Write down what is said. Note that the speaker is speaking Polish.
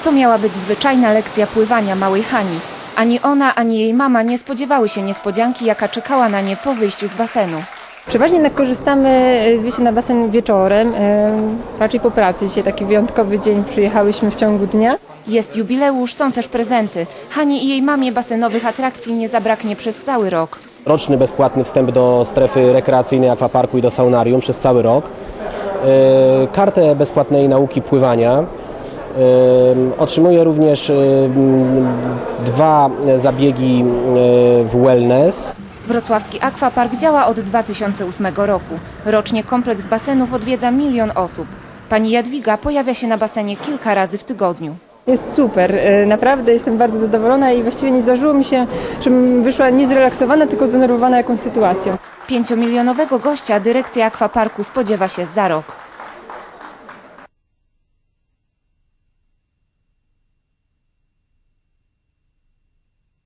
To miała być zwyczajna lekcja pływania małej Hani. Ani ona, ani jej mama nie spodziewały się niespodzianki, jaka czekała na nie po wyjściu z basenu. Przeważnie jednak korzystamy z wyjścia na basen wieczorem, raczej po pracy. Dzisiaj taki wyjątkowy dzień, przyjechałyśmy w ciągu dnia. Jest jubileusz, są też prezenty. Hani i jej mamie basenowych atrakcji nie zabraknie przez cały rok. Roczny bezpłatny wstęp do strefy rekreacyjnej akwaparku i do saunarium przez cały rok. Kartę bezpłatnej nauki pływania. Otrzymuje również 2 zabiegi w wellness. Wrocławski akwapark działa od 2008 roku. Rocznie kompleks basenów odwiedza 1 000 000 osób. Pani Jadwiga pojawia się na basenie kilka razy w tygodniu. Jest super, naprawdę jestem bardzo zadowolona i właściwie nie zdarzyło mi się, żebym wyszła nie zrelaksowana, tylko zdenerwowana jakąś sytuacją. 5-milionowego gościa dyrekcja akwaparku spodziewa się za rok.